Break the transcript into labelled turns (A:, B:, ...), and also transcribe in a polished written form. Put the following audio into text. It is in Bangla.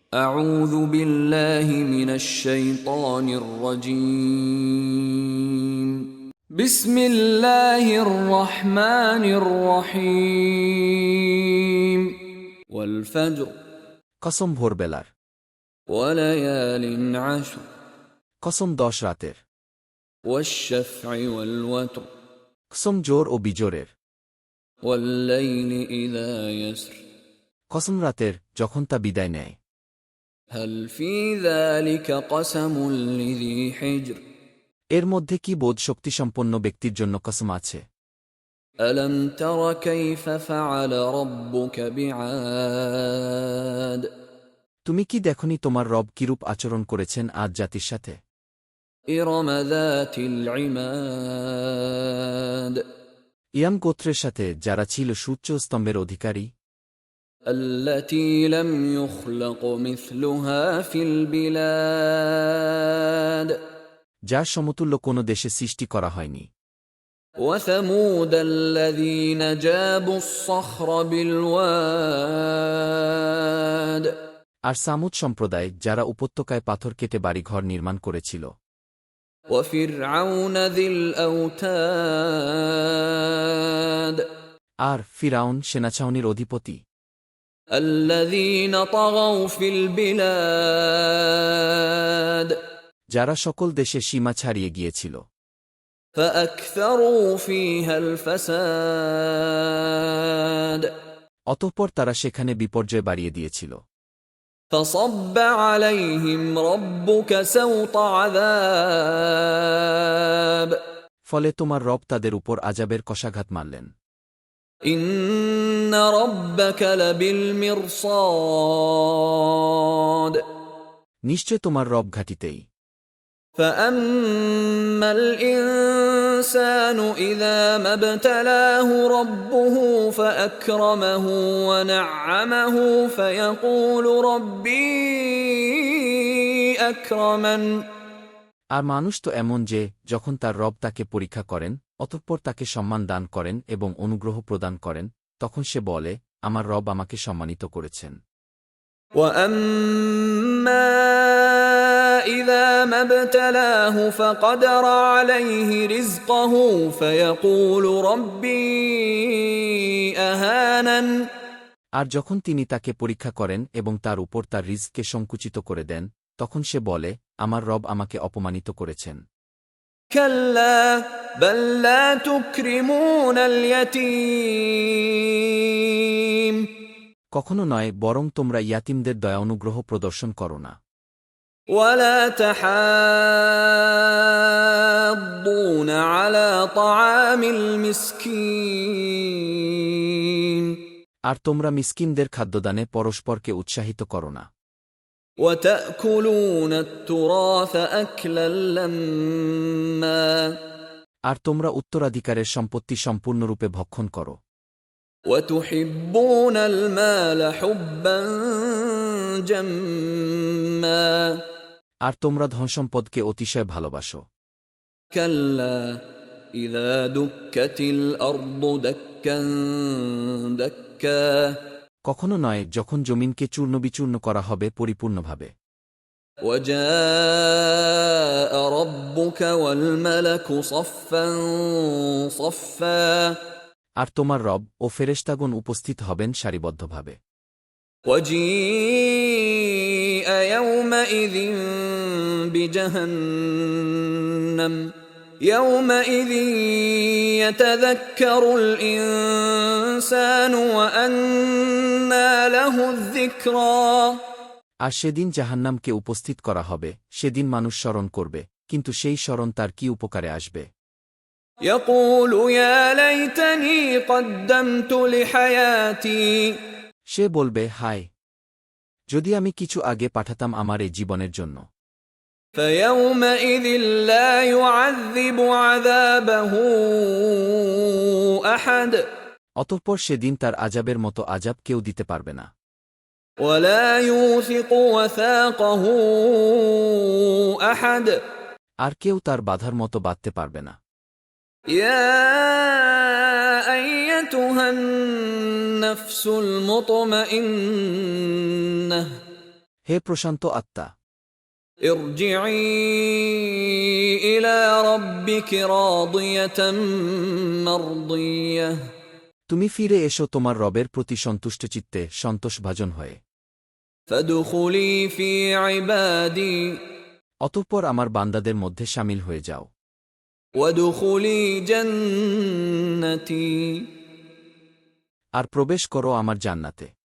A: أعوذ بالله من الشيطان الرجيم بسم الله الرحمن الرحيم والفجر
B: কসম ভোরবেলার,
A: وليال عشر
B: কসম 10 রাতের,
A: والشفع والوتر
B: কসম জোর ও বিজোরের,
A: والليل إذا يسر
B: কসম রাতের যখন তা বিদায় নেয়।
A: هل في ذلك قسم لذي حجر
B: এর মধ্যে কি বোধ শক্তিসম্পন্ন ব্যক্তির জন্য কসম আছে?
A: ألم تر كيف فعل ربك بعاد
B: তুমি কি দেখনি তোমার রব কিরূপ আচরণ করেছেন আজ জাতির সাথে?
A: إرم ذات العماد
B: ইয়াম গোত্রের সাথে, যারা ছিল সূচ্য স্তম্ভের অধিকারী,
A: التي لم يخلق مثلها في البلاد
B: যার সমতুল্য কোনো দেশে সৃষ্টি করা হয়নি।
A: وثمود الذين جابوا الصخر بالواد
B: আর সামুদ সম্প্রদায়, যারা উপত্যকায় পাথর কেটে বাড়িঘর নির্মাণ করেছিল।
A: وفرعون ذي الأوتاد
B: আর ফিরাউন সেনাছাউনির অধিপতি,
A: الذين طغوا في البلاد
B: যারা সকল দেশে সীমা ছাড়িয়ে গিয়েছিল।
A: فأكثروا فيها الفساد
B: অতঃপর তারা সেখানে বিপর্যয় বাড়িয়ে দিয়েছিল।
A: فصب عليهم ربك سوط عذاب
B: ফলে তোমার রব তাদের উপর আযাবের কশাঘাত মারলেন।
A: إن ربك لبالمرصاد
B: নিশ্চয় তোমার রব ঘাটিতেই।
A: فأما الإنسان إذا ما ابتلاه ربه فأكرمه ونعمه فيقول ربي أكرمن
B: আর মানুষ তো এমন যে, যখন তার রব তাকে পরীক্ষা করেন, অতঃপর তাকে সম্মান দান করেন এবং অনুগ্রহ প্রদান করেন, তখন সে বলে, আমার রব আমাকে সম্মানিত করেছেন।
A: وأما إذا ما ابتلاه فقدر عليه رزقه فيقول ربي أهانن
B: আর যখন তিনি তাকে পরীক্ষা করেন এবং তার উপর তার রিজকে সংকুচিত করে দেন, তখন সে বলে, আমার রব আমাকে অপমানিত করেছেন।
A: كلا بل لا تكرمون اليتيم
B: কখনো নয়, বরং তোমরা ইয়াতিমদের দয়া অনুগ্রহ প্রদর্শন করো না।
A: ولا تحاضون على طعام المسكين
B: আর তোমরা মিসকিনদের খাদ্যদানে পরস্পরকে উৎসাহিত করো না।
A: وتأكلون التراث أكلا لما
B: আর তোমরা উত্তরাধিকারের সম্পত্তি সম্পূর্ণরূপে ভক্ষণ করো।
A: وتحبون المال حبا جما
B: আর তোমরা ধনসম্পদকে অতিশয় ভালোবাসো।
A: كلا إذا دكت الأرض دكا دكا
B: কখনো নয়, যখন জমিনকে চূর্ণবিচূর্ণ করা হবে পরিপূর্ণভাবে।
A: وجاء ربك والملك صفا صفا
B: আর তোমার রব ও ফেরেশতাগণ উপস্থিত হবেন সারিবদ্ধভাবে।
A: وجيء يومئذ بجهنم يومئذ يتذكر الإنسان وأنى له الذكرى
B: আর সেদিন জাহান্নামকে উপস্থিত করা হবে। সেদিন মানুষ স্মরণ করবে, কিন্তু সেই স্মরণ তার কি উপকারে আসবে?
A: يقول يا ليتني قدمت لحياتي
B: সে বলবে, হায়, যদি আমি কিছু আগে পাঠাতাম আমার এই জীবনের জন্য।
A: فيومئذ لا يعذب عذابه أحد
B: অতঃপর সেদিন তার আযাবের মতো আযাব কেউ দিতে পারবে না।
A: ولا يوثق وثاقه أحد
B: আর কেউ তার বাধার মতো বাঁধতে পারবে না।
A: يا أيتها النفس المطمئنة
B: হে প্রশান্ত আত্মা,
A: ارجعي إلى ربك راضية مرضية
B: তুমি ফিরে এসো তোমার রবের প্রতি সন্তুষ্টচিত্তে সন্তোষভাজন হয়ে।
A: فادخلي في عبادي
B: অতঃপর আমার বান্দাদের মধ্যে শামিল হয়ে যাও।
A: وادخلي جنتي
B: আর প্রবেশ করো আমার জান্নাতে।